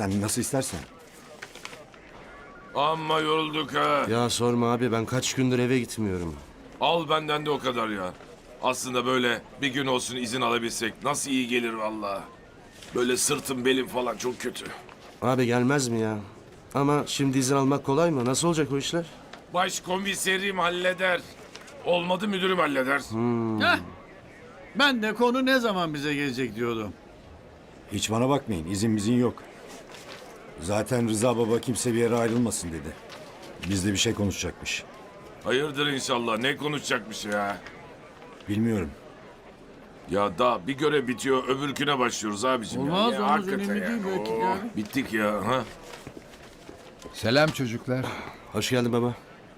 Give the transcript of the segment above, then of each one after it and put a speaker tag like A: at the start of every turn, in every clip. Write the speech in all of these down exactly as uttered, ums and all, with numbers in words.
A: sen nasıl istersen.
B: Amma yorulduk ha.
C: Ya sorma abi, ben kaç gündür eve gitmiyorum.
B: Al benden de o kadar ya. Aslında böyle bir gün olsun izin alabilsek nasıl iyi gelir vallahi. Böyle sırtım belim falan çok kötü.
C: Abi gelmez mi ya? Ama şimdi izin almak kolay mı? Nasıl olacak o işler?
B: Başkomiserim halleder. Olmadı müdürüm halleder.
D: Heh. Ben de konu ne zaman bize gelecek diyordum.
A: Hiç bana bakmayın, izin bizim yok. Zaten Rıza baba kimse bir yere ayrılmasın dedi. Bizle bir şey konuşacakmış.
B: Hayırdır inşallah, ne konuşacakmış ya.
A: Bilmiyorum.
B: Ya daha bir görev bitiyor öbürküne başlıyoruz abicim.
D: Olmaz,
B: ya.
D: olmaz,
B: hakikaten
D: önemli
B: ya.
D: değil belki
B: Oo,
D: yani.
B: Bittik ya. Ha?
E: Selam çocuklar.
C: Hoş geldin baba.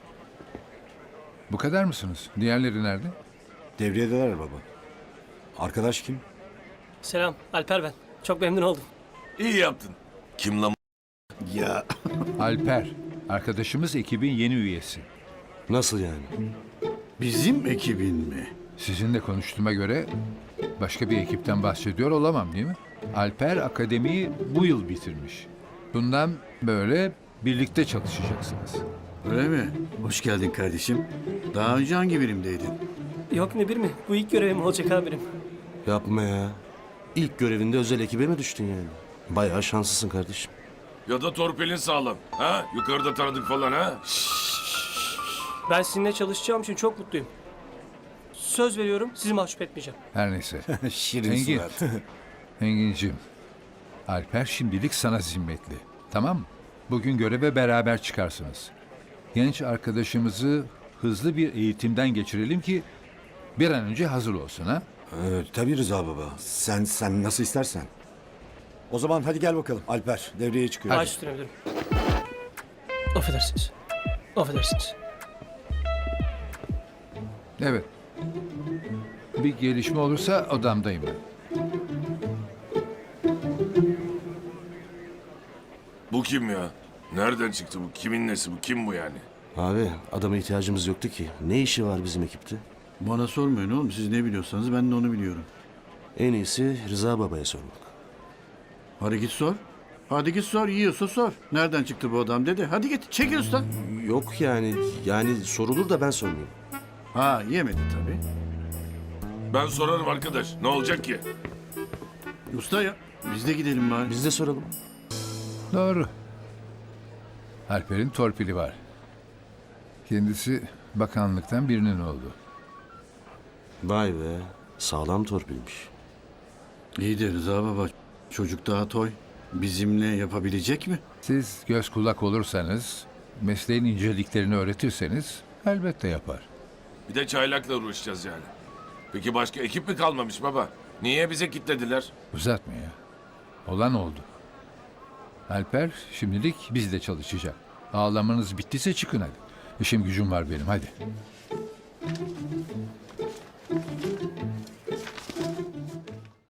E: Bu kadar mısınız? Diğerleri nerede?
A: Devriyedeler baba. Arkadaş kim?
F: Selam, Alper ben. Çok memnun oldum.
B: İyi yaptın. Kim lan?
A: Ya.
E: Alper. Arkadaşımız ekibin yeni üyesi.
C: Nasıl yani?
D: Bizim ekibin mi?
E: Sizinle konuştuğuma göre başka bir ekipten bahsediyor olamam değil mi? Alper akademiyi bu yıl bitirmiş. Bundan böyle birlikte çalışacaksınız.
D: Öyle mi? Hoş geldin kardeşim. Daha önce hangi birimdeydin?
F: Yok ne bir mi? Bu ilk görevim olacak amirim.
C: Yapma ya. İlk görevinde özel ekibe mi düştün yani? Bayağı şanslısın kardeşim.
B: Ya da torpilin sağlam. Ha? Yukarıda tanıdık falan ha?
F: Ben sizinle çalışacağım için çok mutluyum. Söz veriyorum sizi mahcup etmeyeceğim.
E: Her neyse.
A: Şirin
E: Engin.
A: surat.
E: Engin'cim. Alper şimdilik sana zimmetli. Tamam mı? Bugün göreve beraber çıkarsınız. Genç arkadaşımızı hızlı bir eğitimden geçirelim ki bir an önce hazır olsun ha.
A: Ee, tabii Rıza baba. Sen sen nasıl istersen. O zaman hadi gel bakalım Alper. Devreye çıkıyor.
F: Baş üstüne müdürüm. Affedersiniz. Affedersiniz.
E: Evet. Bir gelişme olursa odamdayım ben.
B: Bu kim ya? Nereden çıktı bu? Kimin nesi bu? Kim bu yani?
C: Abi adama ihtiyacımız yoktu ki. Ne işi var bizim ekipte?
D: Bana sormayın oğlum. Siz ne biliyorsanız ben de onu biliyorum.
C: En iyisi Rıza babaya sormak.
D: Hadi git sor. Hadi git sor. Yiyorsa sor. Nereden çıktı bu adam dedi. Hadi git. Çekil usta.
C: Yok yani, yani sorulur da ben sormayayım.
D: Ha yemedi tabii.
B: Ben sorarım arkadaş. Ne olacak ki?
D: Usta ya. Biz de gidelim bari.
C: Biz de soralım.
E: Doğru. Alper'in torpili var. Kendisi bakanlıktan birinin oldu.
C: Vay be, sağlam torpilmiş.
D: İyi de Rıza baba. Çocuk daha toy. Bizimle yapabilecek mi?
E: Siz göz kulak olursanız, mesleğin inceliklerini öğretirseniz elbette yapar.
B: Bir de çaylakla uğraşacağız yani. Peki başka ekip mi kalmamış baba? Niye bize kilitlediler?
E: Uzatma ya. Olan oldu. Alper şimdilik bizle çalışacak. Ağlamanız bittiyse çıkın hadi. İşim gücüm var benim hadi.